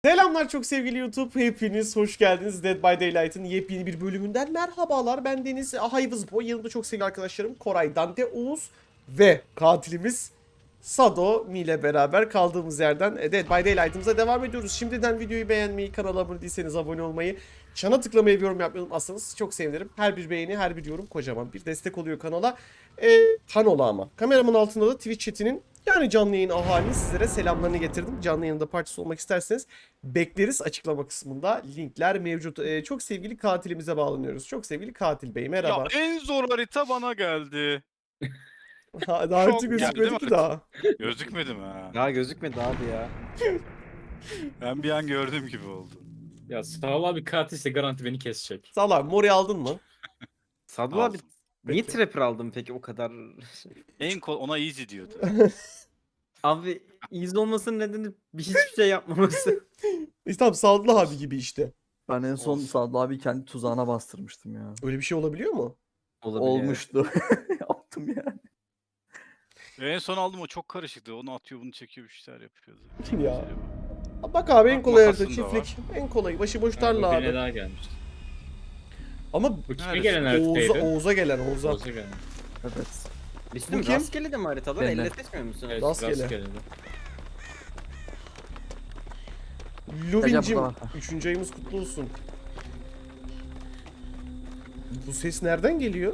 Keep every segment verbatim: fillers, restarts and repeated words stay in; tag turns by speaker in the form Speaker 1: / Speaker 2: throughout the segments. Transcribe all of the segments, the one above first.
Speaker 1: Selamlar çok sevgili YouTube. Hepiniz hoş geldiniz. Dead by Daylight'ın yepyeni bir bölümünden merhabalar. Ben Deniz Hayvızboy. Yanımda çok sevgili arkadaşlarım Koray, Dante, Oğuz ve katilimiz Sado ile beraber kaldığımız yerden Dead by Daylight'ımıza devam ediyoruz. Şimdiden videoyu beğenmeyi, kanala abone değilseniz abone olmayı, çana tıklamayı ve yorum yapmayı unutmazsanız çok sevinirim. Her bir beğeni, her bir yorum kocaman bir destek oluyor kanala. Ee, kanola ama. Kameramın altında da Twitch chatinin, yani canlı yayın ahalinin sizlere selamlarını getirdim. Canlı yayında parçası olmak isterseniz bekleriz, açıklama kısmında linkler mevcut. Ee, çok sevgili katilimize bağlanıyoruz. Çok sevgili katil bey, merhaba.
Speaker 2: Ya en zor harita bana geldi.
Speaker 1: Ha, daha
Speaker 2: Şok
Speaker 1: önce
Speaker 2: geldi
Speaker 1: gözükmedi
Speaker 2: değil
Speaker 1: ki
Speaker 2: mi?
Speaker 1: daha.
Speaker 2: Gözükmedi mi ha?
Speaker 3: Ya gözükmedi abi ya.
Speaker 2: Ben bir an gördüğüm gibi oldu.
Speaker 4: Ya sağ ol abi, katilse garanti beni kesecek.
Speaker 1: Sağ ol abi, Mori aldın mı?
Speaker 3: Sadullah abi
Speaker 2: Aldım.
Speaker 3: niye
Speaker 1: Peki.
Speaker 3: trapper aldın peki o kadar?
Speaker 2: En kol ona easy diyordu.
Speaker 3: Abi iz olmasının nedeni bir hiçbir şey yapmaması.
Speaker 1: İşte tamam, Sadullah abi gibi işte.
Speaker 5: Ben en son
Speaker 2: Olsun.
Speaker 5: Sadullah abi kendi tuzağına bastırmıştım ya.
Speaker 1: Öyle bir şey olabiliyor mu?
Speaker 3: Olabilir.
Speaker 5: Olmuştu. Yaptım yani.
Speaker 2: En son aldım, o çok karışıktı. Onu atıyor, bunu çekiyor, bir şeyler yapıyordu.
Speaker 1: Ya. Bak abi, en
Speaker 2: Bak,
Speaker 1: kolay harita
Speaker 2: makasın da
Speaker 1: çiftlik. En kolay. Başıboş
Speaker 4: Yani
Speaker 1: tarla
Speaker 4: bu birine
Speaker 1: abi.
Speaker 4: daha gelmişti.
Speaker 1: Ama
Speaker 4: Bu kime
Speaker 2: Neresi?
Speaker 4: gelen
Speaker 1: Oğuz'a,
Speaker 4: haritaydı?
Speaker 1: Oğuz'a gelen Oğuz'a.
Speaker 4: Oğuz'a gelen.
Speaker 5: Evet.
Speaker 3: Bizim
Speaker 1: Bu kim?
Speaker 3: rastgele de mi haritalar?
Speaker 5: Ben de.
Speaker 3: Elle seçmiyor musun?
Speaker 4: Evet,
Speaker 1: Rastgele.
Speaker 4: rastgele.
Speaker 1: Luvincim,
Speaker 5: Acaba-
Speaker 1: üçüncü ayımız kutlu olsun. Bu ses nereden geliyor?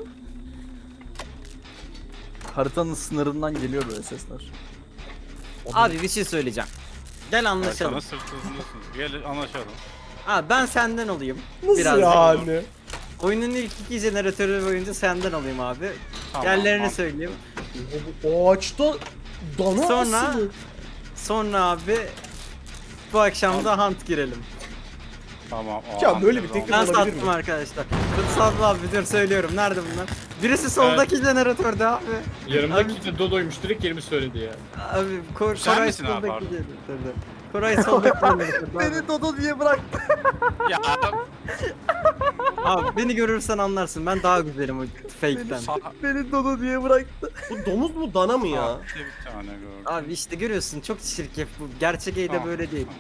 Speaker 5: Haritanın sınırından geliyor böyle sesler.
Speaker 3: Abi bir şey söyleyeceğim. Gel
Speaker 2: Sana
Speaker 3: anlaşalım.
Speaker 2: sırtınızsın. Gel anlaşalım.
Speaker 3: Abi ben senden olayım.
Speaker 1: Nasıl
Speaker 3: Biraz
Speaker 1: yani?
Speaker 3: Oyunun ilk iki jeneratörü boyunca senden alayım abi.
Speaker 2: Tamam,
Speaker 3: Yerlerini
Speaker 2: tamam.
Speaker 3: söyleyeyim.
Speaker 1: O ağaçta dana
Speaker 3: Sonra-
Speaker 1: asılı.
Speaker 3: Sonra abi bu akşam da hunt girelim.
Speaker 2: Tamam. o
Speaker 1: Ya
Speaker 2: an
Speaker 1: böyle bir
Speaker 2: tamam.
Speaker 1: teklif
Speaker 3: Ben
Speaker 1: olabilir
Speaker 3: sattım
Speaker 1: mi?
Speaker 3: arkadaşlar. Sadullah abi dur söylüyorum. Nerede bunlar? Birisi soldaki jeneratörde abi.
Speaker 4: Yanımdaki de Dodo'ymuş, direkt yerimi söyledi ya.
Speaker 3: Abi Kor
Speaker 2: Sen
Speaker 3: Koray
Speaker 2: misin abi,
Speaker 3: soldaki
Speaker 2: pardon?
Speaker 3: jeneratörde. Koray soldaki jeneratörde. abi.
Speaker 5: Beni Dodo diye bıraktı.
Speaker 2: Ya
Speaker 3: Abi beni görürsen anlarsın. Ben daha güzelim o fake'ten.
Speaker 2: sağ...
Speaker 5: Beni Dodo diye bıraktı.
Speaker 1: Bu domuz mu dana mı ya?
Speaker 2: Sağ- bir tane gördüm.
Speaker 3: Abi işte görüyorsun çok çirkef bu. Gerçek E'de
Speaker 2: Tamam,
Speaker 3: böyle değil.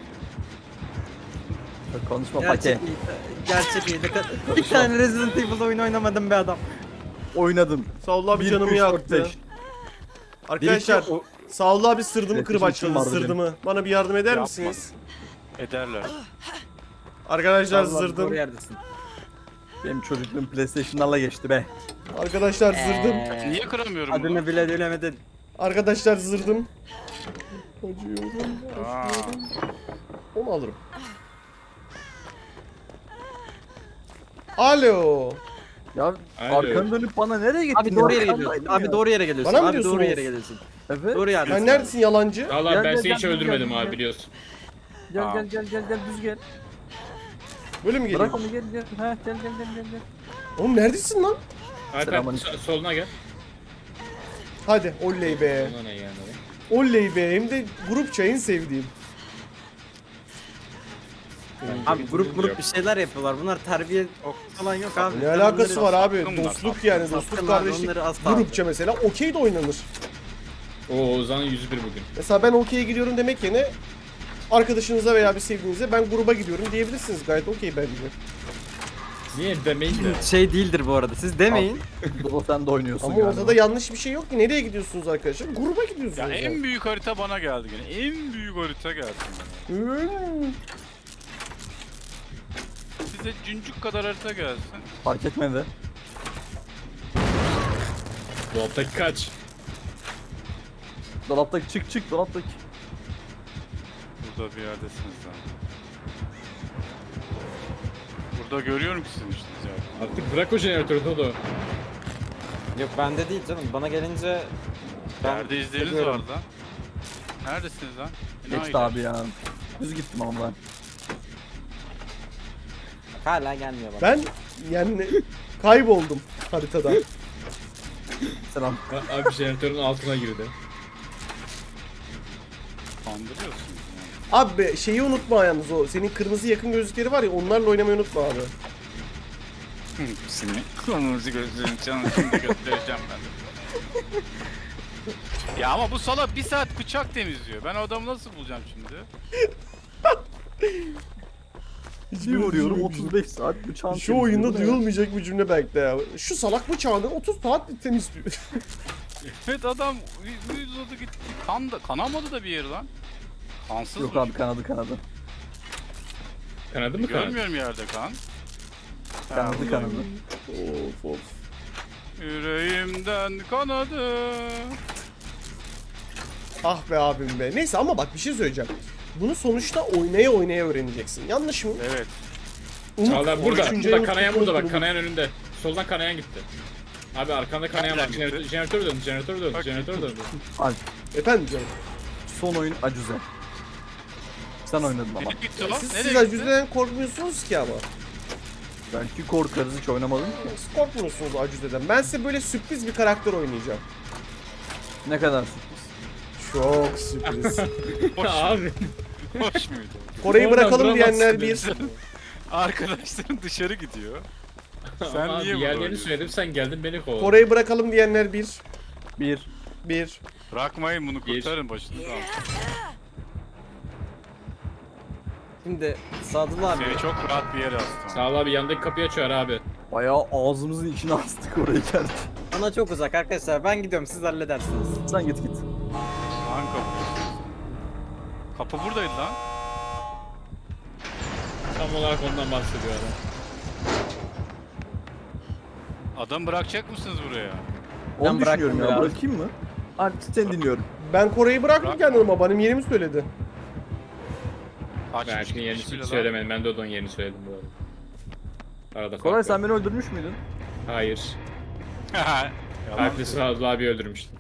Speaker 5: Çok konuşma
Speaker 3: Gerçek
Speaker 5: pake.
Speaker 3: E'de, gerçek E'de ka- bir tane Resident Evil oyun oynamadım be adam.
Speaker 5: Oynadım.
Speaker 1: Sağollah abi
Speaker 5: Bir,
Speaker 1: canımı
Speaker 5: üç, dört,
Speaker 1: yaktı.
Speaker 5: beş.
Speaker 1: Arkadaşlar
Speaker 5: o-
Speaker 1: Sağollah abi sırdımı
Speaker 5: Evet,
Speaker 1: kırıp
Speaker 5: bizim
Speaker 1: açladı,
Speaker 5: vardı
Speaker 1: sırdımı. Bana bir yardım eder
Speaker 2: Yapma.
Speaker 1: misiniz?
Speaker 2: Ederler.
Speaker 1: Arkadaşlar
Speaker 3: Sadullah abi,
Speaker 1: zırdım.
Speaker 3: doğru yerdesin.
Speaker 5: Benim çocukluğum PlayStation'larla geçti be.
Speaker 1: Arkadaşlar zırdım.
Speaker 3: Ee,
Speaker 2: Niye kıramıyorum bunu?
Speaker 3: Adını bile bilemedin.
Speaker 1: Arkadaşlar zırdım. Acıyorum,
Speaker 2: Aa.
Speaker 1: acıyorum. Onu alırım. Alo.
Speaker 5: Ya
Speaker 4: Alo.
Speaker 5: arkanı dönüp bana nereye gittin?
Speaker 3: Abi doğru
Speaker 5: ya?
Speaker 3: yere geliyorsun.
Speaker 5: Arkandaydım
Speaker 3: Abi
Speaker 5: ya.
Speaker 3: doğru yere geliyorsun.
Speaker 1: Bana mı
Speaker 3: Abi
Speaker 1: diyorsun
Speaker 3: doğru
Speaker 1: Oğuz?
Speaker 3: yere geliyorsun.
Speaker 5: Evet.
Speaker 3: Doğru yerdesin.
Speaker 1: Sen neredesin yalancı?
Speaker 4: Valla
Speaker 5: Gel,
Speaker 4: ben
Speaker 5: gel,
Speaker 4: seni hiç
Speaker 5: gel,
Speaker 4: öldürmedim
Speaker 5: gel,
Speaker 4: abi,
Speaker 5: gel.
Speaker 4: biliyorsun.
Speaker 5: Gel
Speaker 2: Aa.
Speaker 5: gel gel gel gel düz gel.
Speaker 1: Böyle mi
Speaker 5: Bırak
Speaker 1: geliyor?
Speaker 5: onu gel gel. Ha gel gel gel gel gel.
Speaker 1: Oğlum neredesin lan?
Speaker 4: Alper
Speaker 5: Selamünaleyküm.
Speaker 4: so- soluna gel.
Speaker 1: Hadi oley be.
Speaker 4: Soluna ne yani?
Speaker 1: Oley be. Hem de grupça en sevdiğim.
Speaker 3: Abi grup grup bir şeyler yapıyorlar. Bunlar terbiye falan yok abi.
Speaker 1: Ne
Speaker 3: Sen
Speaker 1: alakası
Speaker 3: onları-
Speaker 1: var abi?
Speaker 2: Sattım bunlar,
Speaker 1: Dostluk
Speaker 2: sattım.
Speaker 1: yani.
Speaker 3: Sattım
Speaker 1: Dostluk
Speaker 3: abi,
Speaker 1: kardeşlik.
Speaker 3: onları asla
Speaker 1: Grupça mesela okey de oynanır.
Speaker 4: Oo, Oğuzhan'ın yüz bir bugün.
Speaker 1: Mesela ben okey'e gidiyorum demek yerine arkadaşınıza veya bir sevdiğinize ben gruba gidiyorum diyebilirsiniz. Gayet okey bence.
Speaker 4: Niye demeyin de.
Speaker 3: Şey değildir bu arada. Siz demeyin.
Speaker 5: Dodo sen de oynuyorsun
Speaker 1: Ama
Speaker 5: galiba.
Speaker 1: ortada yanlış bir şey yok ki. Nereye gidiyorsunuz arkadaşlar? Gruba gidiyorsunuz.
Speaker 2: Ya
Speaker 1: yani.
Speaker 2: en büyük harita bana geldi gene. En büyük harita geldi bana.
Speaker 1: Hmm.
Speaker 2: Size cüncük kadar harita gelsin.
Speaker 5: Fark etmedi.
Speaker 4: Dolaptaki kaç?
Speaker 5: Dolaptaki çık çık dolaptaki.
Speaker 2: Burada bir yerdesiniz lan. Burada görüyorum ki sizin işiniz ya.
Speaker 4: Artık bırak o jeneratörü Dodo.
Speaker 6: Yok bende değil canım. Bana gelince ben
Speaker 2: Nerede izleriniz
Speaker 6: biliyorum.
Speaker 2: var lan? Neredesiniz lan?
Speaker 5: Geçti abi ya. Düz gittim ama ben.
Speaker 6: hala gelmiyor bana.
Speaker 1: Ben yani kayboldum haritada.
Speaker 5: Selam.
Speaker 4: Ha, Abi jeneratörün altına girdi.
Speaker 2: Kandırıyorsunuz yani.
Speaker 1: Abi şeyi unutma yalnız o. Senin kırmızı yakın gözlükleri var ya, onlarla oynamayı unutma abi.
Speaker 2: Seni kırmızı gözlerin canını şimdi göstereceğim ben de. Ya ama bu salak bir saat bıçak temizliyor. Ben o adamı nasıl bulacağım şimdi?
Speaker 5: Bir vuruyorum otuz beş saat bıçağın
Speaker 1: Şu oyunda duyulmayacak bir cümle belki de ya. Şu salak bıçağını otuz saat temizliyor.
Speaker 2: Evet adam uy- uyuzadı gitti. Kan da, kanamadı da bir yeri lan. Kansız
Speaker 5: Yok
Speaker 2: mı?
Speaker 5: abi kanadı kanadı.
Speaker 4: Kanadı mı kanadı?
Speaker 2: Görmüyorum yerde kan.
Speaker 5: Kanadı kanadı.
Speaker 1: Of of.
Speaker 2: Yüreğimden kanadı.
Speaker 1: Ah be abim be. Neyse ama bak bir şey söyleyeceğim. Bunu sonuçta oynaya oynaya öğreneceksin. Yanlış mı?
Speaker 2: Evet.
Speaker 1: Umut,
Speaker 4: Çağlar burada.
Speaker 1: üçüncü
Speaker 4: Burada
Speaker 1: en
Speaker 4: kanayan
Speaker 1: mutlu
Speaker 4: burada bak.
Speaker 1: olduğum-
Speaker 4: Kanayan önünde. Soldan kanayan gitti. Abi arkanda kanayan var.
Speaker 2: Nereden
Speaker 4: Jeneratör,
Speaker 2: gitti?
Speaker 4: jeneratör döndü. Jeneratör döndü.
Speaker 2: Bak.
Speaker 4: Jeneratör döndü.
Speaker 5: Alp
Speaker 1: Efendim canım.
Speaker 5: son oyun acuze. Sen oynadın ama.
Speaker 2: Nereye gitti o?
Speaker 1: Siz,
Speaker 2: Nereye
Speaker 1: siz
Speaker 2: gitti?
Speaker 1: acüzeden korkmuyorsunuz ki ama.
Speaker 5: Belki korkarız hiç oynamadım ki.
Speaker 1: Siz korkmuyorsunuz acüzeden. Ben size böyle sürpriz bir karakter oynayacağım.
Speaker 5: Ne kadar sürpriz.
Speaker 1: Çok sürpriz.
Speaker 2: Hoş,
Speaker 4: Abi.
Speaker 2: hoş muydu?
Speaker 1: Kore'yi
Speaker 4: Oradan
Speaker 1: bırakalım diyenler
Speaker 4: duramazsın
Speaker 1: bir.
Speaker 2: Arkadaşların dışarı gidiyor. Sen
Speaker 4: Ama
Speaker 2: niye
Speaker 4: abi
Speaker 2: burada
Speaker 4: yerlerini
Speaker 2: oynuyorsun?
Speaker 4: söyledim sen geldin beni kovaladın.
Speaker 1: Kore'yi bırakalım diyenler bir.
Speaker 5: Bir.
Speaker 1: Bir.
Speaker 2: Bırakmayın bunu
Speaker 4: Bir.
Speaker 2: kurtarın başınızı.
Speaker 3: Şimdi Sadullah abi.
Speaker 2: Seni çok rahat bir yere astım.
Speaker 4: Sağ ol abi yandaki kapıyı açıyor abi.
Speaker 5: Bayağı ağzımızın içine astık oraya geldik.
Speaker 3: Bana çok uzak arkadaşlar. Ben gidiyorum siz halledersiniz.
Speaker 5: Sen git git.
Speaker 2: Hangi kapı? Kapı buradaydı lan.
Speaker 4: Tam olarak ondan bahsediyor adam.
Speaker 2: Adam bırakacak mısınız buraya?
Speaker 5: Onu düşünüyorum
Speaker 3: bıraktım
Speaker 5: ya
Speaker 3: biraz.
Speaker 5: bırakayım mı? Alp seni dinliyorum.
Speaker 1: Ben Kore'yi bıraktım
Speaker 2: Bırak.
Speaker 1: kendim ama benim yerimi söyledi.
Speaker 4: Ben
Speaker 2: Açmış
Speaker 4: şimdi yerini
Speaker 2: gitmiş bile
Speaker 4: hiç
Speaker 2: lan.
Speaker 4: söylemedim. Ben de onun yerini söyledim bu arada. Arada
Speaker 5: Koray
Speaker 4: fark
Speaker 5: sen
Speaker 4: var.
Speaker 5: beni öldürmüş müydün?
Speaker 4: Hayır.
Speaker 2: Yalan.
Speaker 4: Alp'le Sağlı abi öldürmüştüm.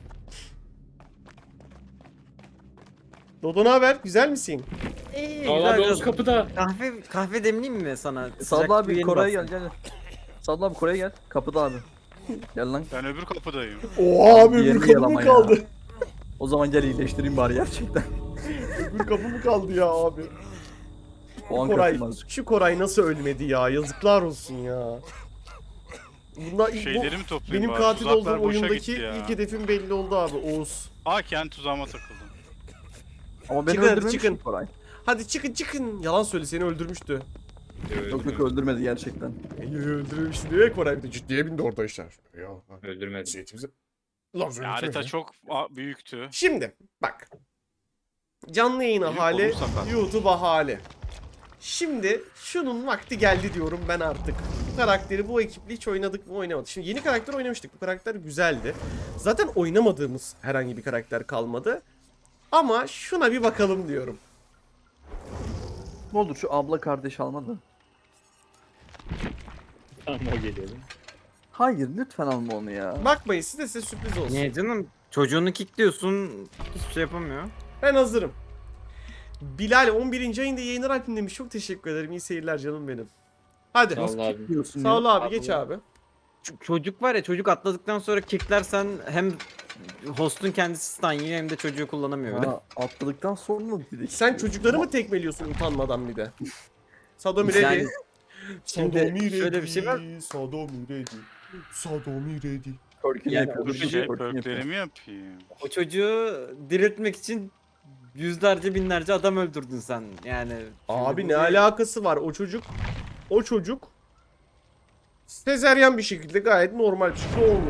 Speaker 1: Dodo ne haber? Güzel misin?
Speaker 3: İyi,
Speaker 4: Sağlı
Speaker 3: güzel
Speaker 4: abi
Speaker 3: biraz-
Speaker 4: Oğuz kapıda.
Speaker 3: Kahve kahve demleyeyim mi sana? Sıcak
Speaker 5: Sadlı
Speaker 3: bir
Speaker 5: abi
Speaker 3: yeni
Speaker 5: Koray'a
Speaker 3: bastım.
Speaker 5: gel gel. Sadlı abi Koray'a gel. Kapıda abi. Gel lan.
Speaker 2: Ben öbür kapıdayım.
Speaker 1: Oha abi
Speaker 5: Diğerini
Speaker 1: öbür kapı
Speaker 5: yalama
Speaker 1: mı
Speaker 5: ya.
Speaker 1: kaldı?
Speaker 5: O zaman gel iyileştireyim bari gerçekten.
Speaker 1: Öbür kapı mı kaldı ya abi?
Speaker 5: O an
Speaker 1: Koray,
Speaker 5: kapım azıcık.
Speaker 1: şu Koray nasıl ölmedi ya? Yazıklar olsun ya. Bunlar bu,
Speaker 2: Şeyleri mi toplayayım
Speaker 1: benim
Speaker 2: bari?
Speaker 1: katil
Speaker 2: Tuzaklar
Speaker 1: olduğum
Speaker 2: boşa
Speaker 1: oyundaki
Speaker 2: gitti ya.
Speaker 1: ilk hedefim belli oldu abi Oğuz.
Speaker 2: Aa kendi tuzağıma takıldım.
Speaker 5: Ama beni
Speaker 1: Çıkın hadi,
Speaker 5: öldürmemiş
Speaker 1: çıkın.
Speaker 5: mi Koray?
Speaker 1: Hadi çıkın çıkın. Yalan söyle seni öldürmüştü.
Speaker 5: Yok yok öldürmedi gerçekten.
Speaker 1: İyi öldürmüştü diye Koray bir de ciddiye bindi orada işler. Ya.
Speaker 4: Öldürmedi.
Speaker 1: Zeytimize... Lan
Speaker 2: Ya,
Speaker 1: söyle
Speaker 2: harita çok a- büyüktü.
Speaker 1: Şimdi bak. Canlı yayın
Speaker 2: Benim
Speaker 1: hali,
Speaker 2: kolum sakat.
Speaker 1: YouTube hali. Şimdi şunun vakti geldi diyorum ben artık. Bu karakteri bu ekiple hiç oynadık mı oynamadık. Şimdi yeni karakter oynamıştık. Bu karakter güzeldi. Zaten oynamadığımız herhangi bir karakter kalmadı. Ama şuna bir bakalım diyorum.
Speaker 5: Ne olur şu abla kardeş almadı.
Speaker 4: Tamam o geliyor.
Speaker 5: Hayır lütfen alma onu ya.
Speaker 1: Bakmayın size size sürpriz olsun.
Speaker 3: Niye canım? Çocuğunu kickliyorsun. Hiçbir şey yapamıyor.
Speaker 1: Ben hazırım. Bilal on birinci ayında yayınlar Alp'in demiş. Çok teşekkür ederim. İyi seyirler canım benim. Hadi.
Speaker 4: Sağ ol abi.
Speaker 5: Diyorsun
Speaker 1: Sağ
Speaker 5: ya.
Speaker 1: ol abi geç abi.
Speaker 3: Ç- çocuk var ya çocuk atladıktan sonra kicklersen hem hostun kendisi stun yiyor hem de çocuğu kullanamıyor. öyle.
Speaker 5: Ha, atladıktan sonra bir de.
Speaker 1: Sen çocukları mı tekmeliyorsun utanmadan bir de? Sadomi ready.
Speaker 3: Yani şimdi
Speaker 1: Sadomi
Speaker 3: şöyle bir şey var.
Speaker 1: ready, Sadomi ready. Sadomi ready.
Speaker 5: Perk'ini
Speaker 3: Yani
Speaker 5: yapıyoruz.
Speaker 2: Bir
Speaker 3: Dur,
Speaker 2: şey
Speaker 5: Perk'ini yapıyoruz.
Speaker 2: perklerimi yapayım.
Speaker 3: O çocuğu diriltmek için yüzlerce binlerce adam öldürdün sen. Yani
Speaker 1: Abi
Speaker 3: şimdi
Speaker 1: ne
Speaker 3: bu bir-
Speaker 1: alakası var o çocuk? O çocuk sezeryan bir şekilde gayet normal bir şekilde olmuş.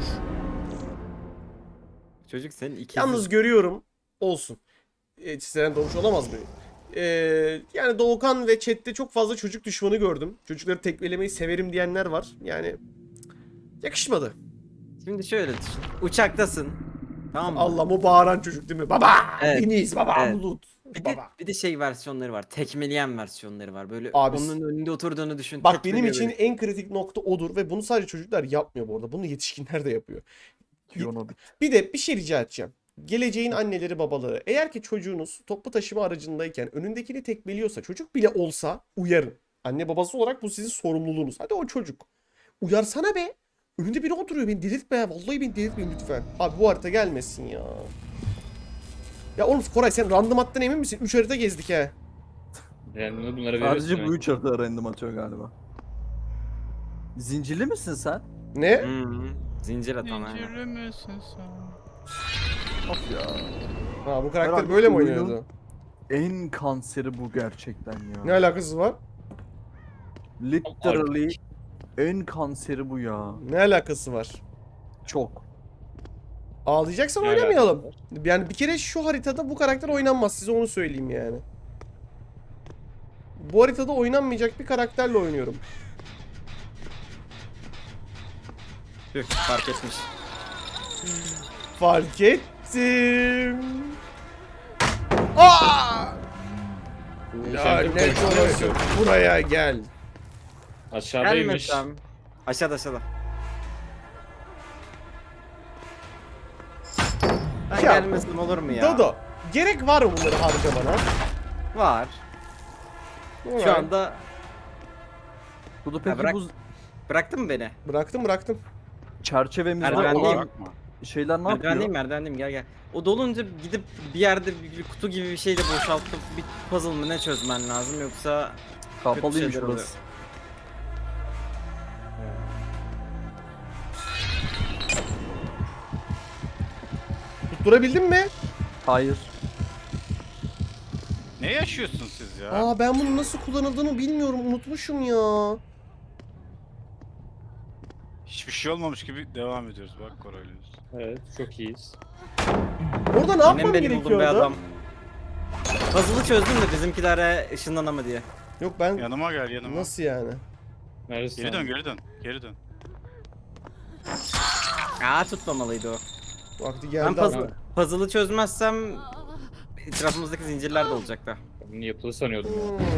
Speaker 3: Çocuk senin ikizin.
Speaker 1: Yalnız görüyorum olsun. E, sezeryan doğmuş olamaz mı? E, yani Doğukan ve chatte çok fazla çocuk düşmanı gördüm. Çocukları tekmelemeyi severim diyenler var. Yani yakışmadı.
Speaker 3: Şimdi şöyle düşün. Uçaktasın. Tamam mı?
Speaker 1: Allah o bağıran çocuk değil mi? Baba!
Speaker 3: Evet.
Speaker 1: Deniz baba!
Speaker 3: Evet.
Speaker 1: Bulut!
Speaker 3: Bir de,
Speaker 1: Baba!
Speaker 3: bir de şey versiyonları var. Tekmeleyen versiyonları var. Böyle
Speaker 1: Abi,
Speaker 3: onun önünde oturduğunu düşün.
Speaker 1: Bak benim
Speaker 3: tekmeliyor
Speaker 1: için
Speaker 3: böyle.
Speaker 1: en kritik nokta odur ve bunu sadece çocuklar yapmıyor bu arada. Bunu yetişkinler de yapıyor.
Speaker 5: Kiyono bit.
Speaker 1: Bir de bir şey rica edeceğim. Geleceğin anneleri babaları. Eğer ki çocuğunuz toplu taşıma aracındayken önündekini tekmeliyorsa çocuk bile olsa uyarın. Anne babası olarak bu sizin sorumluluğunuz. Hadi o çocuk. Uyarsana be. Önünde biri oturuyor beni delirtme ya. Vallahi beni delirtmeyin lütfen. Abi bu harita gelmesin ya. Ya oğlum Koray sen random attın emin misin? üç harita gezdik he.
Speaker 4: Yani bunu bunlara veriyorsun.
Speaker 5: Sadece bu üç harita random atıyor galiba. Zincirli misin sen?
Speaker 1: Ne?
Speaker 3: Hı hı. Zincir atan ha.
Speaker 2: Zincirli misin sen?
Speaker 5: Of ya.
Speaker 1: Ha bu karakter
Speaker 5: Herhalde
Speaker 1: böyle mi
Speaker 5: oyunun-
Speaker 1: oynuyordu?
Speaker 5: En kanseri bu gerçekten ya.
Speaker 1: Ne alakası var?
Speaker 5: Literally en kanseri bu ya.
Speaker 1: Ne alakası var?
Speaker 5: Çok.
Speaker 1: Ağlayacaksan
Speaker 4: Ne
Speaker 1: oynamayalım.
Speaker 4: alakası
Speaker 1: Yani bir kere şu haritada bu karakter oynanmaz. Size onu söyleyeyim yani. Bu haritada oynanmayacak bir karakterle oynuyorum.
Speaker 3: Tüh, fark etmiş.
Speaker 1: Fark ettim. Aa! Lanet olası. Buraya gel.
Speaker 4: Aşağıdaymış.
Speaker 3: Gelmesem. Aşağıda aşağıda. Ben
Speaker 1: Ya,
Speaker 3: gelmesem olur mu ya?
Speaker 1: Dodo. Gerek var mı bunları harcamana?
Speaker 3: Var. Şu anda
Speaker 5: Bu da peki
Speaker 3: bırak-
Speaker 5: bu
Speaker 3: bıraktın mı beni?
Speaker 1: Bıraktım bıraktım.
Speaker 5: çerçevemizde
Speaker 3: Merdiven
Speaker 5: olan
Speaker 2: Bırakma.
Speaker 5: şeyler ne yapıyor?
Speaker 3: Merdivendeyim merdivendeyim gel gel. O dolunca gidip bir yerde bir, bir kutu gibi bir şeyle boşaltıp bir puzzle mı ne çözmen lazım yoksa
Speaker 5: Kapalıymış
Speaker 3: şeyler
Speaker 5: burası.
Speaker 1: Tutturabildin mi?
Speaker 5: Hayır.
Speaker 2: Ne yaşıyorsun siz ya?
Speaker 1: Aa ben bunun nasıl kullanıldığını bilmiyorum. Unutmuşum ya.
Speaker 2: Hiçbir şey olmamış gibi devam ediyoruz. Bak Koraylıyız.
Speaker 4: Evet çok iyiyiz.
Speaker 1: Orada ne
Speaker 3: yine
Speaker 1: yapmam
Speaker 3: benim buldum be
Speaker 1: gerekiyordu?
Speaker 3: adam. Puzzle'ı çözdüm de bizimkilere ışınlanama diye.
Speaker 1: Yok ben...
Speaker 2: Yanıma gel yanıma.
Speaker 1: Nasıl yani?
Speaker 4: Neresi?
Speaker 2: Geri dön geri dön. Geri dön.
Speaker 3: Aa tutmamalıydı o.
Speaker 1: Vakti
Speaker 3: Ben
Speaker 1: geldi
Speaker 3: puzzle,
Speaker 1: ama.
Speaker 3: puzzle'ı çözmezsem etrafımızdaki zincirler de olacaktı.
Speaker 4: Bunu yapılı sanıyordum ya.
Speaker 1: Hmm.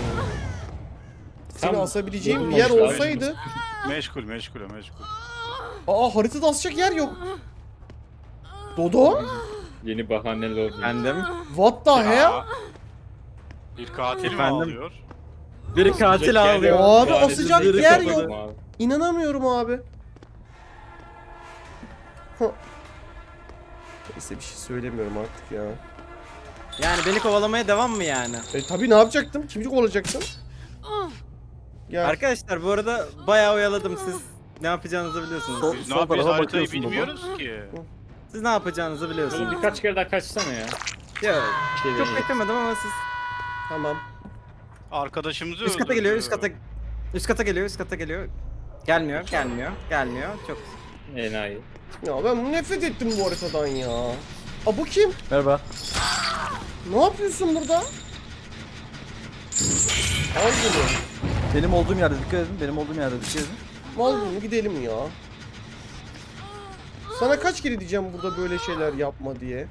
Speaker 1: Seni
Speaker 4: Tam
Speaker 1: asabileceğim bir yer
Speaker 4: bulunmamış
Speaker 1: olsaydı...
Speaker 2: Meşgul meşgul meşgul.
Speaker 1: Aa haritada asacak yer yok. Dodo?
Speaker 4: Yeni bahaneler oldu.
Speaker 3: Bendim.
Speaker 1: What the hell?
Speaker 2: Ya, bir katil mi
Speaker 3: Efendim?
Speaker 2: ağlıyor?
Speaker 3: Biri katil ağlıyor.
Speaker 1: Abi,
Speaker 4: Bahanesiz
Speaker 1: asacak
Speaker 4: biri
Speaker 1: yer
Speaker 4: kapadım
Speaker 1: yok.
Speaker 4: abi.
Speaker 1: İnanamıyorum abi. Hı. Neyse bir şey söylemiyorum artık ya.
Speaker 3: Yani beni kovalamaya devam mı yani?
Speaker 1: E tabi ne yapacaktım? Kimcik olacaktım? Gel.
Speaker 3: Arkadaşlar bu arada bayağı oyaladım siz. Ne yapacağınızı biliyorsunuz.
Speaker 5: Sol-
Speaker 2: Biz
Speaker 5: sol
Speaker 2: ne yapıyoruz
Speaker 5: tarafa
Speaker 2: haritayı
Speaker 5: bakıyorsun baba.
Speaker 2: bilmiyoruz ki.
Speaker 3: Siz ne yapacağınızı
Speaker 4: Oğlum
Speaker 3: biliyorsunuz.
Speaker 4: birkaç kere daha kaçsana ya.
Speaker 3: Ya,
Speaker 4: Bir şey
Speaker 3: çok
Speaker 4: deneyeceğim.
Speaker 3: beklemedim ama siz.
Speaker 1: Tamam.
Speaker 2: Arkadaşımızı
Speaker 3: Üst kata
Speaker 2: öldürdü.
Speaker 3: geliyor, üst kata. Üst kata geliyor, üst kata geliyor. Gelmiyor, gelmiyor, gelmiyor. Çok.
Speaker 4: Enayi.
Speaker 1: Ya ben nefret ettim bu haritadan ya. Aa bu kim?
Speaker 5: Merhaba.
Speaker 1: Ne yapıyorsun burada? Al bunu.
Speaker 5: Benim olduğum yerde dikkat edin. Benim olduğum yerde dikkat edin.
Speaker 1: Al bunu gidelim ya. Sana kaç kere diyeceğim burada böyle şeyler yapma diye.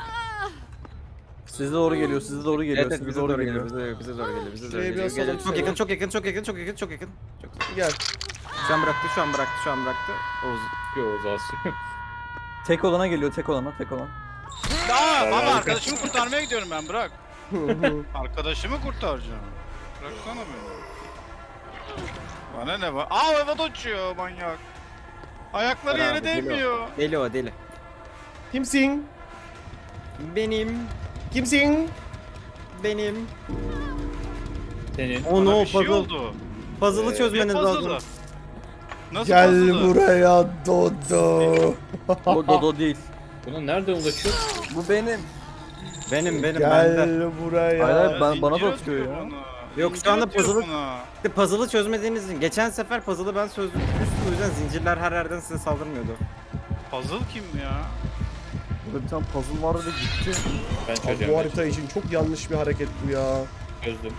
Speaker 5: Size doğru geliyor, size doğru geliyor,
Speaker 3: Evet, evet,
Speaker 5: size
Speaker 3: bize
Speaker 5: doğru
Speaker 3: doğru
Speaker 5: geliyor.
Speaker 3: geliyor, bize, bize doğru geliyor, bize doğru
Speaker 1: Şuraya
Speaker 3: geliyor.
Speaker 1: biraz
Speaker 3: Geliyor.
Speaker 1: alalım
Speaker 3: Çok
Speaker 1: seni.
Speaker 3: yakın, çok yakın, çok yakın, çok yakın, çok yakın. Çok yakın.
Speaker 1: Gel.
Speaker 3: Şu an bıraktı, şu an bıraktı, şu an bıraktı. Oğuz.
Speaker 4: Yo zasyon.
Speaker 5: Tek olana geliyor, tek olana, tek olan.
Speaker 2: Aa, baba arkadaşımı kurtarmaya gidiyorum ben bırak. Arkadaşımı kurtaracağım. Bıraksana beni. Bana ne var? Aa havada uçuyor manyak. Ayakları
Speaker 3: Bravo,
Speaker 2: yere
Speaker 3: deli o.
Speaker 2: değmiyor.
Speaker 3: Deli o, deli.
Speaker 1: Kimsin?
Speaker 3: Benim,
Speaker 1: Kimsin?
Speaker 3: benim.
Speaker 4: Senin.
Speaker 3: O
Speaker 2: Bana
Speaker 3: no,
Speaker 2: bir şey
Speaker 3: puzzle.
Speaker 2: oldu.
Speaker 3: Puzzle'ı
Speaker 2: Ne
Speaker 3: çözmeniz
Speaker 2: puzzle'ı?
Speaker 3: lazım.
Speaker 2: Nasıl
Speaker 1: Gel
Speaker 2: puzzle'ı?
Speaker 1: buraya Dodo.
Speaker 5: O Dodo değil.
Speaker 4: Buna nereden ulaşıyor?
Speaker 5: Bu benim.
Speaker 3: Benim, benim, bende.
Speaker 1: Gel buraya.
Speaker 5: Hayır, hayır.
Speaker 2: Ya
Speaker 5: Ben- bana da
Speaker 2: zincir
Speaker 5: atıyor
Speaker 2: atıyor
Speaker 5: ya.
Speaker 2: bana.
Speaker 3: Yok, şu
Speaker 2: Zincir
Speaker 3: anda
Speaker 2: atıyor
Speaker 3: puzzle'ı-
Speaker 2: bana.
Speaker 3: İşte puzzle'ı çözmediğiniz için. Geçen sefer puzzle'ı ben çözdüm. O yüzden zincirler her yerden size saldırmıyordu.
Speaker 2: Puzzle kim ya?
Speaker 5: Burada bir tane puzzle vardı ve gitti.
Speaker 4: Ben
Speaker 1: Abi
Speaker 4: çözeceğim.
Speaker 1: bu
Speaker 4: ben
Speaker 1: harita için çok yanlış bir hareket bu ya.
Speaker 4: Çözdüm.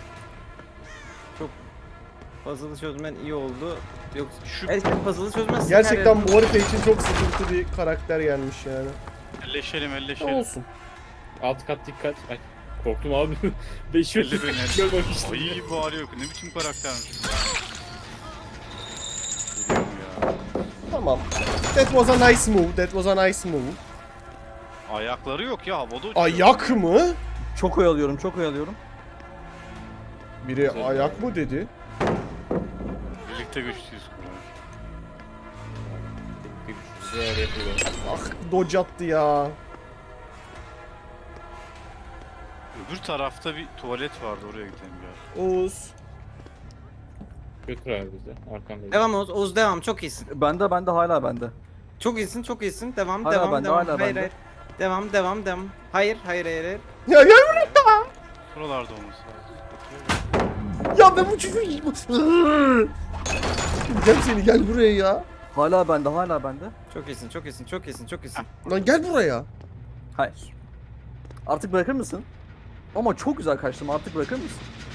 Speaker 3: Puzzle'ı çözmen iyi oldu. Yok,
Speaker 2: Şu
Speaker 3: her şey puzzle'ı çözmezsin.
Speaker 1: Gerçekten bu harita için çok sıkıntı bir karakter gelmiş yani.
Speaker 2: elleşelim elleşelim.
Speaker 1: Olsun.
Speaker 4: Alt kat dikkat. Ay korktum abi. Beş yıl
Speaker 2: Elli beni.
Speaker 4: görmemiştim.
Speaker 2: Ay bu arıyor. Ne biçim karaktermiş bu. Geliyorum ya.
Speaker 1: Tamam. That was a nice move. That was a nice move.
Speaker 2: Ayakları yok ya havada uçuyor.
Speaker 1: Ayak mı?
Speaker 5: Çok oyalıyorum, çok oyalıyorum.
Speaker 1: Biri
Speaker 4: Güzel
Speaker 1: ayak
Speaker 4: abi.
Speaker 1: mı dedi?
Speaker 2: Birlikte güçlüyüz Koray.
Speaker 4: Güzel yapıyor.
Speaker 1: Ah dodge attı ya.
Speaker 2: Öbür tarafta bir tuvalet vardı oraya gidelim ya.
Speaker 1: Oğuz.
Speaker 4: Götür abi bizi. Arkandayız.
Speaker 3: Devam Oğuz, Oğuz devam. Çok iyisin.
Speaker 5: Bende, bende, hala bende.
Speaker 3: Çok iyisin, çok iyisin. Devam,
Speaker 5: Hala
Speaker 3: devam,
Speaker 5: bende,
Speaker 3: devam.
Speaker 5: hala
Speaker 3: hayır,
Speaker 5: bende.
Speaker 3: hayır. Devam, devam, devam. Hayır, hayır, hayır, hayır.
Speaker 1: Ya gel buraya.
Speaker 2: Buralarda olması lazım.
Speaker 1: Ya ben bu çocuğu... Gel seni gel buraya ya.
Speaker 5: Hala bende hala bende.
Speaker 3: Çok iyisin, çok iyisin, çok iyisin, çok iyisin.
Speaker 1: Lan gel buraya.
Speaker 5: Hayır. Artık bırakır mısın? Ama çok güzel kaçtım artık bırakır mısın?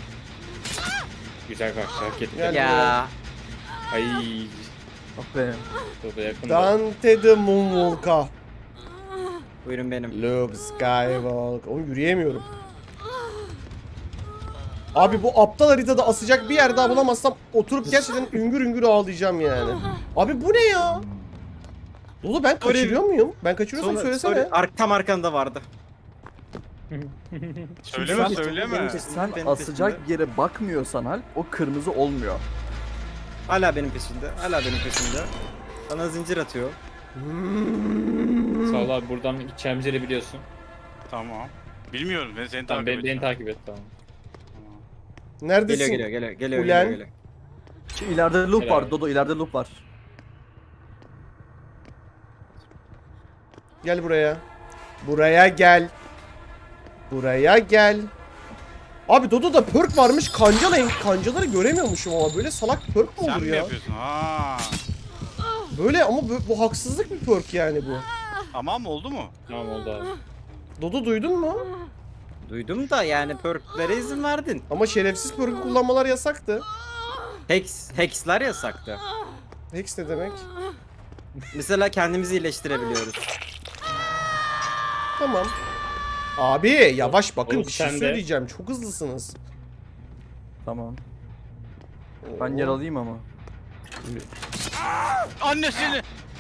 Speaker 4: Güzel kaçtı hak etti.
Speaker 1: Gel.
Speaker 3: Ya.
Speaker 4: Ay.
Speaker 5: Ah be.
Speaker 4: Burada yakın.
Speaker 1: Dante the Moonwalk'a.
Speaker 3: Buyurun benim.
Speaker 1: Luke Skywalker. Oğlum yürüyemiyorum. Abi bu aptal haritada asacak bir yer daha bulamazsam oturup gerçekten üngür üngür ağlayacağım yani. Abi bu ne ya? Dolu ben kaçırıyor muyum? Ben kaçırıyorsam
Speaker 3: Sonra-
Speaker 1: söylesene.
Speaker 3: sonra ar- tam arkanda vardı.
Speaker 2: Söyleme
Speaker 5: Sen-
Speaker 2: söyleme.
Speaker 5: Sen
Speaker 3: Benim
Speaker 5: asacak
Speaker 3: peşimde.
Speaker 5: yere bakmıyorsan Alp o kırmızı olmuyor.
Speaker 3: Hala benim peşinde, hala benim peşinde. Bana zincir atıyor.
Speaker 4: Sağ ol abi buradan gideceğimiz yeri biliyorsun.
Speaker 2: Tamam. Bilmiyorum ben seni
Speaker 4: Tamam
Speaker 2: takip
Speaker 4: beni, beni
Speaker 2: edeceğim.
Speaker 4: takip et tamam.
Speaker 1: Neredesin?
Speaker 3: Geliyor, geliyor, geliyor, geliyor,
Speaker 1: Ulen.
Speaker 3: geliyor, geliyor.
Speaker 5: Şu ileride loop
Speaker 4: Helal.
Speaker 5: var Dodo ileride loop var.
Speaker 1: Gel buraya. Buraya gel. Buraya gel. Abi Dodo'da perk varmış. Kancalayın. Kancaları göremiyormuşum ama böyle salak perk mi
Speaker 2: Sen
Speaker 1: olur
Speaker 2: mi
Speaker 1: ya?
Speaker 2: yapıyorsun? Ha.
Speaker 1: Böyle ama bu, bu haksızlık bir perk yani bu.
Speaker 2: Tamam oldu mu?
Speaker 4: Tamam oldu abi.
Speaker 1: Dodo duydun mu?
Speaker 3: Duydum da yani perklere izin verdin.
Speaker 1: Ama şerefsiz perk'ü kullanmalar yasaktı.
Speaker 3: Hex, hexler yasaktı.
Speaker 1: Hex ne demek?
Speaker 3: Mesela kendimizi iyileştirebiliyoruz.
Speaker 1: Tamam. Abi yavaş bakın
Speaker 4: Oğlum
Speaker 1: bir şey
Speaker 4: sen de-
Speaker 1: söyleyeceğim. Çok hızlısınız.
Speaker 5: Tamam. Ben yer alayım ama.
Speaker 2: Annesini.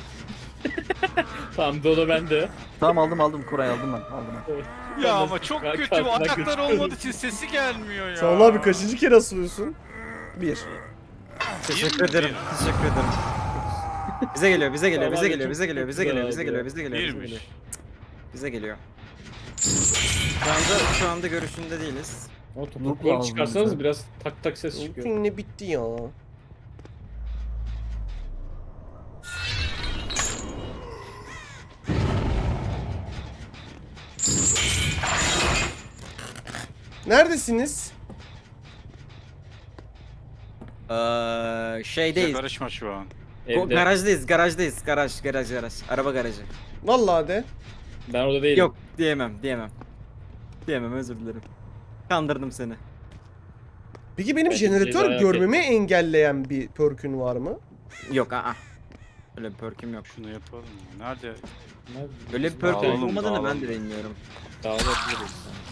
Speaker 4: Tamam Dodo bende.
Speaker 5: Tamam aldım aldım Koray aldım ben aldım ben.
Speaker 2: Ya
Speaker 4: Tamam,
Speaker 2: ama çok
Speaker 4: ben
Speaker 2: kötü bu.
Speaker 4: kartına
Speaker 2: Ayaklar
Speaker 4: götürüyorum.
Speaker 2: olmadığı için sesi gelmiyor ya.
Speaker 1: Sağ ol abi kaçıncı kere asılıyorsun? Bir.
Speaker 3: Teşekkür
Speaker 2: Bir mi?
Speaker 3: ederim, teşekkür ederim. Bize geliyor, bize geliyor,
Speaker 4: Tamam
Speaker 3: bize
Speaker 4: abi,
Speaker 3: geliyor,
Speaker 4: çok-
Speaker 3: bize geliyor,
Speaker 4: çok
Speaker 3: bize geliyor, bize
Speaker 4: güzel
Speaker 3: geliyor,
Speaker 4: abi.
Speaker 3: bize geliyor, bize
Speaker 2: Birmiş.
Speaker 3: geliyor. Bize geliyor. Şu anda şu anda görüşünde değiliz.
Speaker 4: O
Speaker 5: Loop
Speaker 4: topukları
Speaker 5: lazım
Speaker 4: çıkarsanız
Speaker 5: bize.
Speaker 4: biraz tak tak ses çıkıyor.
Speaker 1: Bugün ne bitti ya? Neredesiniz?
Speaker 3: Ee,
Speaker 2: Bize
Speaker 3: şeydeyiz.
Speaker 2: karışma şu an.
Speaker 3: Go-
Speaker 4: Evde.
Speaker 3: Garajdayız, garajdayız. Garaj, garaj, garaj. Araba garajı.
Speaker 1: Vallahi de.
Speaker 4: Ben orada değilim.
Speaker 3: Yok, diyemem, diyemem. Diyemem, özür dilerim. Kandırdım seni.
Speaker 1: Peki benim
Speaker 4: Belki
Speaker 1: jeneratör
Speaker 4: cezayı hak
Speaker 1: görmemi engelleyen bir perkün var mı?
Speaker 3: Yok, aa. Öyle bir perk'üm yok.
Speaker 2: Şunu yapalım mı? Nerede?
Speaker 4: Nerede?
Speaker 3: Öyle bir perk
Speaker 2: Dağılalım,
Speaker 3: olmadığını ben
Speaker 2: dağılalım.
Speaker 3: de bilmiyorum.
Speaker 4: Dağılabiliriz.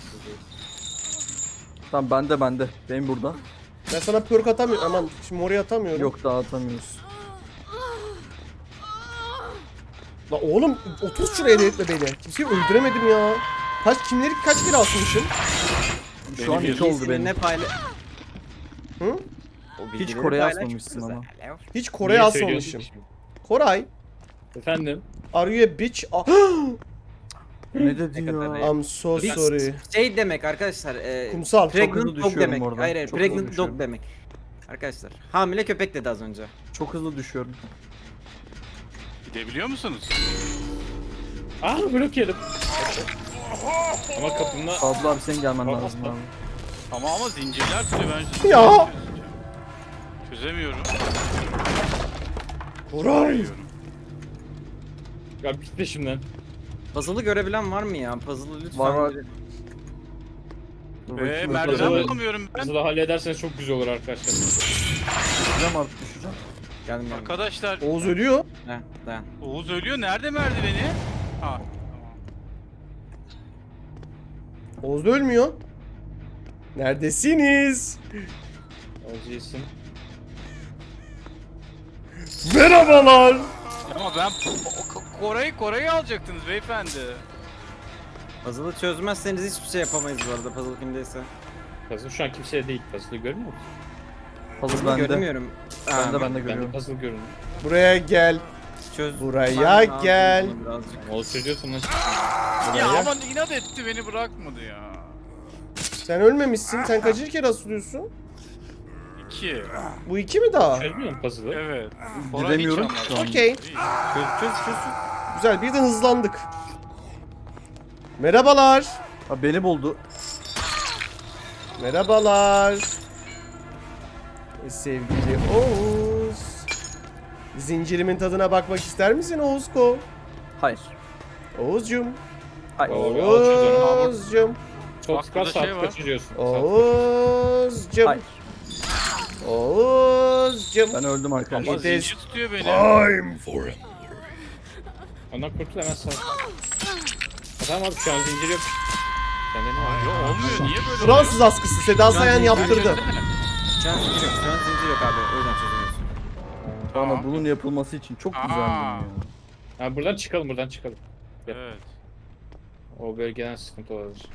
Speaker 5: Tamam bende bende. Benim burada.
Speaker 1: Ben sana perk atamıyorum. Aman şimdi oraya atamıyorum.
Speaker 5: Yok dağıtamıyoruz.
Speaker 1: La oğlum otur şuraya delirtme beni. Kimseyi öldüremedim ya. Kaç kimleri kaç kere asmışım?
Speaker 5: Şu an
Speaker 2: Benim
Speaker 5: iki oldu
Speaker 3: Bilgisini
Speaker 5: benim.
Speaker 3: ne payla...
Speaker 1: Hı?
Speaker 3: O
Speaker 5: Hiç
Speaker 3: bilgileri
Speaker 5: Kore'ye
Speaker 3: paylaş,
Speaker 5: asmamışsın
Speaker 3: çok
Speaker 5: ama.
Speaker 3: güzel.
Speaker 1: Hiç Kore'ye
Speaker 4: Niye
Speaker 1: asmamışım.
Speaker 4: söylüyorsun ki şimdi?
Speaker 1: Koray,
Speaker 4: Efendim?
Speaker 1: are you a bitch? Ah,
Speaker 5: Ne dedi
Speaker 3: Ne kadar
Speaker 5: ya?
Speaker 1: I'm so
Speaker 3: Biz-
Speaker 1: sorry.
Speaker 3: Şey demek arkadaşlar, e,
Speaker 1: Kumsal.
Speaker 5: Çok hızlı
Speaker 3: pregnant dog
Speaker 5: düşüyorum
Speaker 3: demek.
Speaker 5: orada.
Speaker 3: Hayır hayır,
Speaker 5: Çok hızlı
Speaker 3: pregnant
Speaker 5: düşüyorum.
Speaker 3: dog demek. Arkadaşlar, hamile köpek dedi az önce.
Speaker 5: Çok hızlı düşüyorum.
Speaker 2: Gidebiliyor musunuz?
Speaker 4: Aa blok yedim. Ama kapımda...
Speaker 5: Fazla abi senin gelmen
Speaker 4: Tamam,
Speaker 5: lazım
Speaker 4: tamam.
Speaker 5: abi.
Speaker 2: Ama ama zincirler tutuyor ben
Speaker 1: Ya!
Speaker 2: çözemiyorum.
Speaker 1: Koray.
Speaker 2: Çözemiyorum.
Speaker 4: Ya git peşimden.
Speaker 3: Puzzle'ı görebilen var mı ya? Puzzle'ı lütfen.
Speaker 5: Var, var.
Speaker 3: biri-
Speaker 5: Dur
Speaker 2: Ve
Speaker 5: bakayım,
Speaker 2: merdiven
Speaker 5: öpeceğim.
Speaker 2: bulamıyorum ben.
Speaker 4: Nasıl da hallederseniz çok güzel olur arkadaşlar.
Speaker 5: Düşeceğim artık düşeceğim.
Speaker 3: Geldim geldim.
Speaker 2: Arkadaşlar
Speaker 1: Oğuz ölüyor.
Speaker 3: Heh, dayan.
Speaker 2: Oğuz ölüyor. Nerede merdiveni? Ha. Tamam.
Speaker 1: Oğuz da ölmüyor. Neredesiniz?
Speaker 4: Olacaksın.
Speaker 1: Merhabalar.
Speaker 2: Ama ben Ko- Ko- Kore'yi Kore'yi alacaktınız beyefendi.
Speaker 3: Puzzle'ı çözmezseniz hiçbir şey yapamayız bu arada, puzzle kimdeyse.
Speaker 4: Puzzle şu an kimseye değil. Puzzle'ı görmüyor musun?
Speaker 5: Puzzle
Speaker 3: Puzzle'ı
Speaker 5: bende.
Speaker 3: göremiyorum.
Speaker 5: Ben
Speaker 3: Ha,
Speaker 5: de ben de
Speaker 4: Ben de
Speaker 5: görüyorum.
Speaker 4: puzzle görünüyor.
Speaker 1: Buraya gel.
Speaker 3: Çöz.
Speaker 1: Buraya
Speaker 3: Ben lazım
Speaker 1: gel.
Speaker 3: bunu birazcık.
Speaker 4: Oğuz çözüyorsun lan.
Speaker 2: Ya
Speaker 1: Buraya.
Speaker 2: ama inat etti beni bırakmadı ya.
Speaker 1: Sen ölmemişsin. Sen kaçıncı kere asılıyorsun?
Speaker 2: İki.
Speaker 1: Bu iki mi daha?
Speaker 4: Çözmüyor musun puzzle'ı?
Speaker 2: Evet.
Speaker 5: Gidemiyorum
Speaker 2: hiç
Speaker 5: şu an.
Speaker 1: Okey.
Speaker 3: Çöz çöz çöz.
Speaker 1: Güzel. Bir de hızlandık. Merhabalar.
Speaker 5: Abi beni buldu.
Speaker 1: Merhabalar. Sevgili Oğuz. Zincirimin tadına bakmak ister misin Oğuzko?
Speaker 5: Hayır.
Speaker 1: Oğuzcum.
Speaker 5: Hayır.
Speaker 4: Doğru, al çocuğunu.
Speaker 1: Oğuzcum.
Speaker 4: Çok
Speaker 2: Bak,
Speaker 4: sıkar
Speaker 2: burada
Speaker 4: saat
Speaker 2: şey var.
Speaker 4: kaçırıyorsun.
Speaker 1: Oğuzcum.
Speaker 5: Hayır.
Speaker 1: Oğuzcum.
Speaker 5: Ben öldüm arkadaşlar.
Speaker 2: Ama
Speaker 1: It is
Speaker 2: zincir tutuyor beni.
Speaker 1: time for it.
Speaker 4: Ondan kurtul hemen sağ. Tamam abi şu an zincir yok. Sende ne var?
Speaker 2: Yo olmuyor. Niye böyle
Speaker 1: Fransız askısı Seda
Speaker 3: Şu an
Speaker 1: Sayan
Speaker 3: zincir
Speaker 1: yaptırdı.
Speaker 2: Göstersene.
Speaker 3: Şu an zincir yok. Şu an zincir yok abi. O yüzden çözemiyorsun.
Speaker 5: Bana bunun yapılması için çok
Speaker 2: Aa.
Speaker 5: güzeldim ya.
Speaker 4: Abi buradan çıkalım buradan çıkalım.
Speaker 2: Evet.
Speaker 4: O bölgeden sıkıntı olabilir.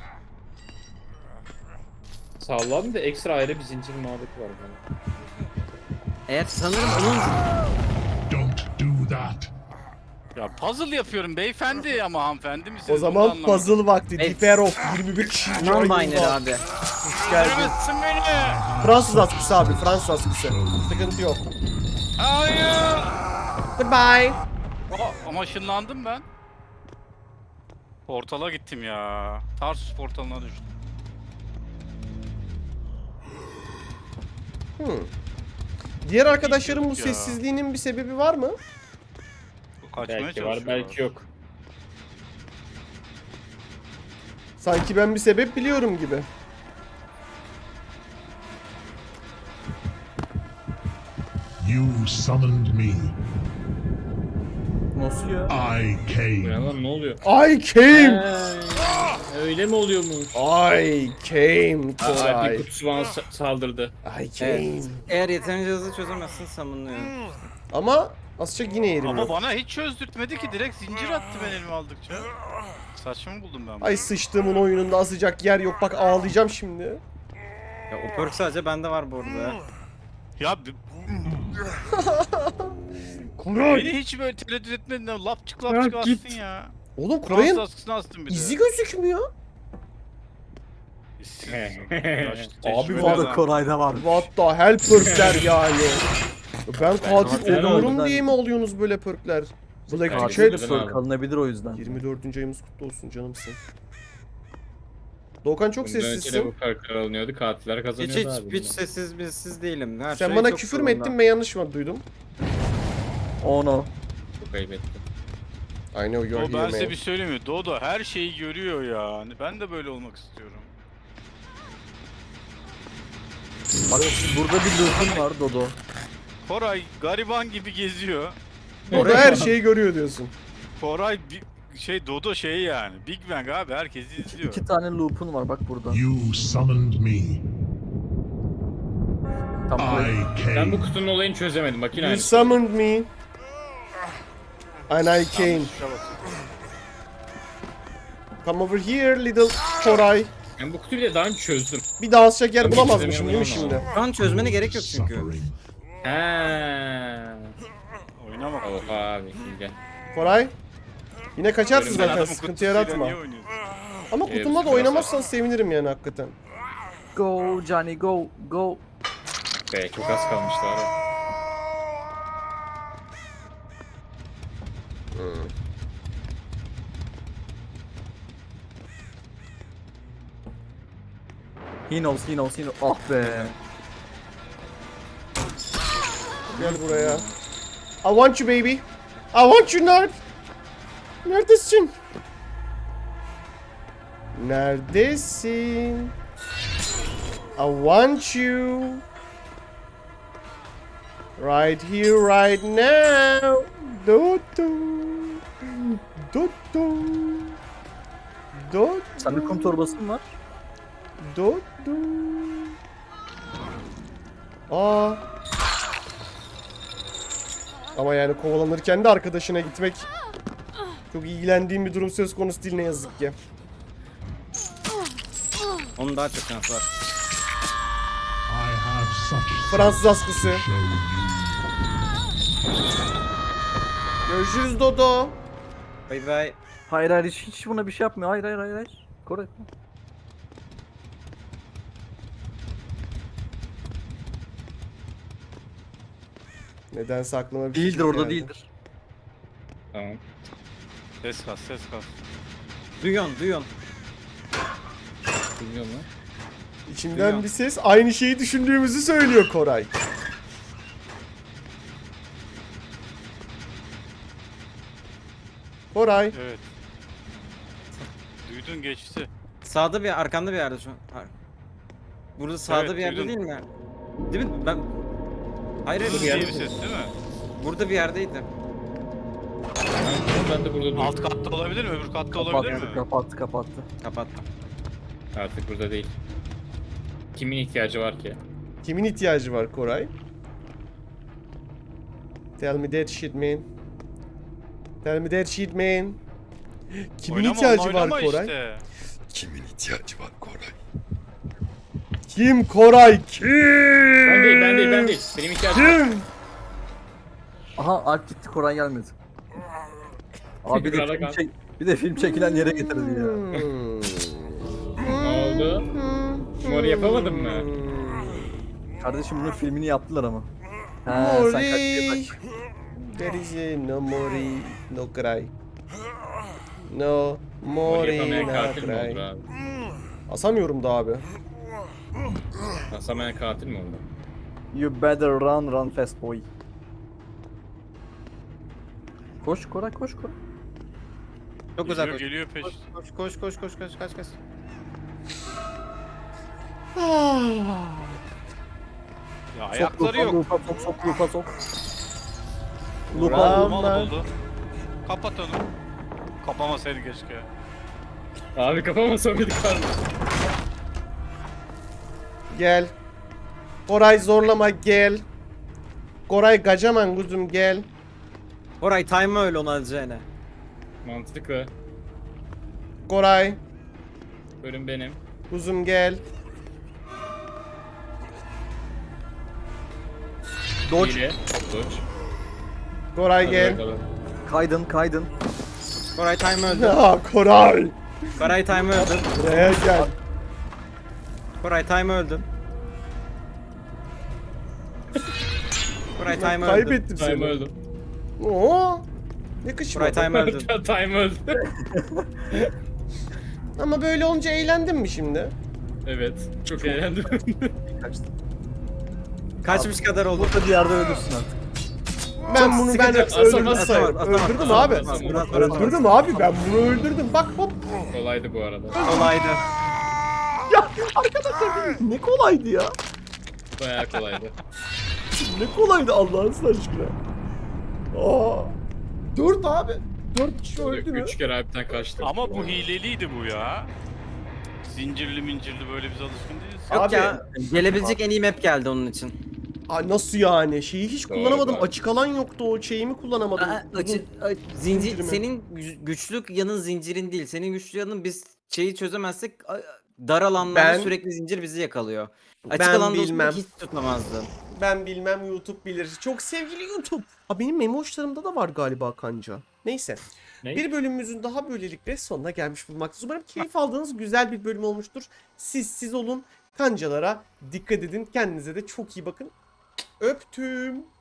Speaker 4: Sağlam da ekstra ayrı bir zincir muhabbeti var bana.
Speaker 3: Eğer sanırım onun
Speaker 7: Don't do that.
Speaker 2: Ya puzzle yapıyorum beyefendi ama hanımefendi misiniz?
Speaker 1: O
Speaker 2: Bunu
Speaker 1: zaman
Speaker 2: anlamadım.
Speaker 1: puzzle vakti.
Speaker 3: Evet.
Speaker 1: Diper of yirmi bir kişi.
Speaker 3: non-binary abi.
Speaker 1: Hoş geldin.
Speaker 2: Öldüremezsin beni.
Speaker 1: Fransız askısı abi. Fransız askısı. Sıkıntı yok.
Speaker 2: Hayır.
Speaker 1: Goodbye.
Speaker 2: Aa, ama ışınlandım ben. Portala gittim ya. Tarsus portalına düştüm.
Speaker 1: Hmm. Diğer arkadaşların bu
Speaker 2: Ya.
Speaker 1: sessizliğinin bir sebebi var mı?
Speaker 2: Bu kaçmaya
Speaker 4: Belki var
Speaker 2: çalışıyorlar.
Speaker 4: belki yok.
Speaker 1: Sanki ben bir sebep biliyorum gibi.
Speaker 7: You summoned me.
Speaker 5: Nasıl ya?
Speaker 7: I
Speaker 4: Bu
Speaker 7: came.
Speaker 4: ne lan ne oluyor?
Speaker 1: I came.
Speaker 4: Ee, öyle mi oluyormuş?
Speaker 1: I came
Speaker 4: Aa, bir
Speaker 1: Koray.
Speaker 4: kutusu bana sa- saldırdı.
Speaker 1: I came.
Speaker 3: Evet. Eğer yeterince hızlı çözemezsin summonlıyor.
Speaker 1: Ama azıcık yine yerim
Speaker 2: Ama
Speaker 1: yok.
Speaker 2: bana hiç çözdürtmedi ki direkt zincir attı ben elime aldıkça. Saçma mı buldum ben bunu?
Speaker 1: Ay sıçtığımın oyununda asacak yer yok. Bak ağlayacağım şimdi.
Speaker 3: Ya o perk sadece bende var bu arada.
Speaker 2: Ya b-
Speaker 1: Koray.
Speaker 2: beni hiç böyle tereddüt etmedin de lapçık lapçık
Speaker 4: Ya
Speaker 2: astın
Speaker 4: git.
Speaker 2: ya.
Speaker 1: Oğlum
Speaker 2: Fransız
Speaker 1: Koray'ın
Speaker 2: askısını astın bir de.
Speaker 1: izi gözükmüyor.
Speaker 2: İşsiz.
Speaker 4: He.
Speaker 2: Yaşlı,
Speaker 1: Abi
Speaker 2: tecrübeli
Speaker 1: var
Speaker 5: O da
Speaker 2: adam.
Speaker 5: Koray'da var.
Speaker 1: What the hell perkler yani. Ben katil
Speaker 5: katil
Speaker 1: olurum
Speaker 5: olmadan-
Speaker 1: diye mi alıyorsunuz böyle perkler? Black
Speaker 4: Katil
Speaker 1: Chat.
Speaker 4: de-
Speaker 5: Katil kalınabilir o yüzden.
Speaker 1: yirmi dördüncü ayımız kutlu olsun canımsın. Doğukan çok
Speaker 4: Bundan önce de bu
Speaker 1: sessizsin.
Speaker 4: perkler alınıyordu. Katiller
Speaker 3: Hiç
Speaker 4: kazanıyordu
Speaker 3: hiç
Speaker 4: abi.
Speaker 3: hiç sessiz bilsiz değilim. Her
Speaker 1: Sen
Speaker 3: şey
Speaker 1: bana
Speaker 3: çok
Speaker 1: küfür mü
Speaker 3: yolunda.
Speaker 1: ettin ben yanlış mı duydum?
Speaker 5: Oh no.
Speaker 4: Çok ayıp ettim.
Speaker 1: I know you're
Speaker 2: O ben
Speaker 1: here
Speaker 2: size
Speaker 1: man.
Speaker 2: bir söyleyeyim mi? Dodo her şeyi görüyor ya. Hani ben de böyle olmak istiyorum.
Speaker 5: Bak burada bir loop'un var Dodo.
Speaker 2: Koray gariban gibi geziyor.
Speaker 1: Orada her şeyi görüyor diyorsun.
Speaker 2: Koray bir şey Dodo şey yani. Big Bang abi herkesi izliyor.
Speaker 5: İki tane loop'un var bak burada.
Speaker 7: You summoned me.
Speaker 5: Tam buraya.
Speaker 7: I
Speaker 4: Ben bu
Speaker 7: came.
Speaker 4: kutunun olayını çözemedim. Makine
Speaker 1: You
Speaker 4: aynı.
Speaker 1: summoned me. And I came.
Speaker 2: Şuna bak.
Speaker 1: Come over here little Koray.
Speaker 4: Ben bu kutuyu bile daha önce çözdüm.
Speaker 1: Bir daha asacak yer
Speaker 4: Ben
Speaker 1: bulamazmışım değil mi
Speaker 4: istemiyorum
Speaker 1: şimdi?
Speaker 3: Şu an çözmene gerek yok çünkü.
Speaker 7: Suffering.
Speaker 4: Heee.
Speaker 2: Oyuna bak.
Speaker 4: Oha abi gel.
Speaker 1: Koray. Yine kaçarsın
Speaker 2: Sen
Speaker 1: zaten
Speaker 2: adamın
Speaker 1: sıkıntı
Speaker 2: kutusuyla
Speaker 1: yaratma.
Speaker 2: niye oynuyorsun?
Speaker 1: Ama
Speaker 4: Evet,
Speaker 1: kutumda da
Speaker 4: biraz
Speaker 1: oynamazsan sevinirim yani hakikaten.
Speaker 5: Go Johnny go go.
Speaker 4: Be çok az kalmıştı abi.
Speaker 5: He knows he knows he knows. Ah be.
Speaker 1: Gel buraya. I want you baby. I want you nerd. Neredesin? Neredesin? I want you. Right here, right now. Do do. Do do. Do
Speaker 5: Sende kum torbası mı var?
Speaker 1: Do do. Aa. Ama yani kovalanırken de arkadaşına gitmek çok ilgilendiğim bir durum söz konusu değil ne yazık ki.
Speaker 3: Onun daha çok şans var.
Speaker 7: I have such
Speaker 1: Fransız askısı.
Speaker 7: to show you.
Speaker 1: Görüşürüz Dodo.
Speaker 3: Bay bay.
Speaker 5: Hayır hayır hiç, hiç buna bir şey yapmıyor. Hayır hayır hayır hayır. Koray.
Speaker 1: Nedense aklıma bir fikir
Speaker 5: Değildir orada
Speaker 1: geldi.
Speaker 5: değildir.
Speaker 4: Tamam.
Speaker 2: Ses kas ses kas.
Speaker 3: Duyuyorsun duyuyorsun.
Speaker 4: Bilmiyorum lan.
Speaker 1: İçimden
Speaker 2: Duyuyorum.
Speaker 1: bir ses aynı şeyi düşündüğümüzü söylüyor Koray. Koray.
Speaker 2: Evet. Duydun geçti.
Speaker 3: Sağda bir arkanda bir yerde şu an. Har- Burada sağda
Speaker 2: Evet,
Speaker 3: bir yerde
Speaker 2: duydum.
Speaker 3: değil mi? Değil mi? Ben... Hayır hayır.
Speaker 2: Hızlı
Speaker 3: bir
Speaker 2: diye
Speaker 3: yerde-
Speaker 2: bir ses değil mi?
Speaker 3: Burada bir yerdeydi.
Speaker 4: Ben de burada dur.
Speaker 2: Alt katta olabilir mi? Öbür katta olabilir
Speaker 5: Kapattı,
Speaker 2: mi?
Speaker 5: kapattı, kapattı.
Speaker 3: Kapattım.
Speaker 4: Artık burada değil. Kimin ihtiyacı var ki?
Speaker 1: Kimin ihtiyacı var Koray? Tell me that shit man. Tell me that shit man. Kimin
Speaker 2: Oynama,
Speaker 1: ihtiyacı var
Speaker 2: oynama
Speaker 1: Koray?
Speaker 2: işte.
Speaker 1: Kimin ihtiyacı var Koray? Kim Koray? Kim?
Speaker 4: Ben değil, ben değil, ben değil. Benim ihtiyacım var.
Speaker 1: Kim?
Speaker 5: Aha Alp gitti, Koray gelmedi. Abi bir de,
Speaker 4: Krala
Speaker 5: film
Speaker 4: kal.
Speaker 5: çek, bir de film çekilen yere getirdi ya.
Speaker 1: Hmm.
Speaker 4: Ne oldu? Mor yapamadın mı?
Speaker 5: Kardeşim bunun filmini yaptılar ama. He sen kaçtıya
Speaker 1: Mori.
Speaker 5: bak.
Speaker 1: There is a no Mori, no cry. No
Speaker 4: Mor
Speaker 1: Mori,
Speaker 4: yapamayan
Speaker 1: no
Speaker 4: katil mi olur
Speaker 1: cry.
Speaker 4: abi?
Speaker 1: Asamıyorum da abi.
Speaker 4: Asamayan katil mi oldu?
Speaker 5: You better run, run fast boy. Koş Koray, koş Koray.
Speaker 3: Çok uzak
Speaker 2: Geliyor,
Speaker 3: koş.
Speaker 2: geliyor peş.
Speaker 3: Koş koş koş koş koş kaç kaç.
Speaker 2: Ya
Speaker 5: Sok
Speaker 2: ayakları
Speaker 5: lupa,
Speaker 2: yok.
Speaker 5: lupa, sok, sok, lupa, sok.
Speaker 2: Lupa,
Speaker 1: Bravo.
Speaker 2: mal oldu. Kapat onu. Kapamasaydın keşke.
Speaker 4: Abi kafama soğuyduk abi.
Speaker 1: Gel. Koray zorlama gel. Koray kaçaman kuzum gel.
Speaker 3: Koray time öyle onu alacağına.
Speaker 4: Mantıklı.
Speaker 1: Koray
Speaker 4: Bölüm benim.
Speaker 1: kuzum gel. Dodge.
Speaker 4: Hile. Dodge.
Speaker 1: Koray
Speaker 4: Hadi
Speaker 1: gel.
Speaker 4: bakalım.
Speaker 5: Kaydın, kaydın.
Speaker 3: Koray time öldü.
Speaker 1: Ya Koray.
Speaker 3: Koray time öldü.
Speaker 1: Buraya gel.
Speaker 3: Koray time öldü. Koray time öldü.
Speaker 1: Kaybettim
Speaker 4: Time
Speaker 1: seni.
Speaker 4: öldüm.
Speaker 1: Oo. Yakışmadı.
Speaker 3: Koray time öldü.
Speaker 4: Time öldü.
Speaker 1: Ama böyle olunca eğlendin mi şimdi?
Speaker 4: Evet. Çok eğlendim.
Speaker 5: Kaçtı.
Speaker 3: Kaçmış kadar oldu.
Speaker 5: Burada bir yerde ölürsün artık.
Speaker 1: Ben bunu ben
Speaker 3: sıkıntı yok.
Speaker 1: öldürdüm
Speaker 3: Atamaz,
Speaker 1: sayarım.
Speaker 3: atamaz, atamaz,
Speaker 1: Öldürdüm
Speaker 3: atamaz,
Speaker 1: abi.
Speaker 3: atamaz, atamaz, atamaz.
Speaker 1: Öldürdüm abi ben bunu öldürdüm. Bak hop.
Speaker 4: Kolaydı bu arada.
Speaker 3: Kolaydı.
Speaker 1: Ya arkadaşlar ne kolaydı ya.
Speaker 4: Bayağı kolaydı.
Speaker 1: Ne kolaydı Allah'ın aşkına. Aa. Dört abi. Dört kişi öldü mü?
Speaker 4: Üç kere harbiden kaçtı.
Speaker 2: Ama bu hileliydi bu ya. Zincirli mincirli böyle biz alışkın değiliz.
Speaker 3: Yok
Speaker 1: Abi-
Speaker 3: ya. Gelebilecek en iyi map geldi onun için.
Speaker 1: Aa, nasıl yani? Şeyi hiç
Speaker 4: Doğru
Speaker 1: kullanamadım.
Speaker 4: abi.
Speaker 1: Açık alan yoktu o şeyimi kullanamadım.
Speaker 3: Aa,
Speaker 1: Uzun-
Speaker 3: açı- a- zincir
Speaker 1: zincirimi.
Speaker 3: senin gü- güçlü yanın zincirin değil. Senin güçlü yanın biz şeyi çözemezsek a- dar alanlarda
Speaker 1: Ben-
Speaker 3: sürekli zincir bizi yakalıyor. Açık
Speaker 1: Ben
Speaker 3: alanda
Speaker 1: bilmem.
Speaker 3: olsa hiç tutamazdı.
Speaker 1: Ben bilmem YouTube bilir. Çok sevgili YouTube. Aa, benim memoşlarımda da var galiba kanca. Neyse.
Speaker 4: Ne?
Speaker 1: Bir bölümümüzün daha böylelikle sonuna gelmiş bulunmaktayız. Umarım keyif aldığınız güzel bir bölüm olmuştur. Siz siz olun. Kancalara dikkat edin. Kendinize de çok iyi bakın. Öptüm.